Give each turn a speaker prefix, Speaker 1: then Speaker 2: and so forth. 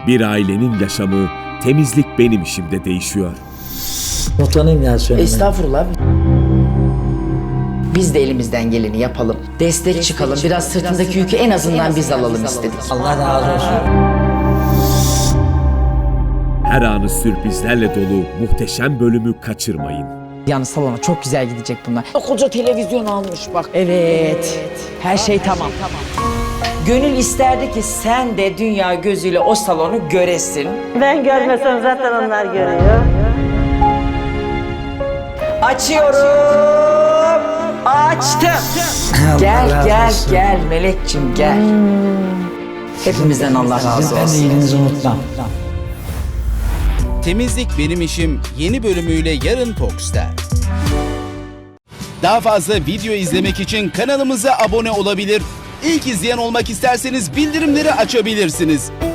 Speaker 1: Bir ailenin yaşamı temizlik benim işimde değişiyor.
Speaker 2: Utanayım ya söylemeye.
Speaker 3: Estağfurullah. Biz de elimizden geleni yapalım. Destek çıkalım. Biraz sırtındaki yükü en azından biz alalım istedik.
Speaker 2: Allah razı olsun.
Speaker 1: Her anı sürprizlerle dolu muhteşem bölümü kaçırmayın.
Speaker 3: Yani salona çok güzel gidecek bunlar. Koca televizyon almış bak. Evet. Her şey tamam. Gönül isterdi ki sen de dünya gözüyle o salonu göresin.
Speaker 4: Ben görmesem zaten onlar görüyor.
Speaker 3: Açıyorum. Açtım. Gel
Speaker 2: razı
Speaker 3: gel
Speaker 2: olsun.
Speaker 3: gel Melekçim gel. Hepimizden Allah razı
Speaker 2: Ben de
Speaker 3: olsun.
Speaker 2: iyiliğinizi unutmam.
Speaker 5: Temizlik Benim İşim yeni bölümüyle yarın Fox'ta. Daha fazla video izlemek için kanalımıza abone olabilir. İlk izleyen olmak isterseniz bildirimleri açabilirsiniz.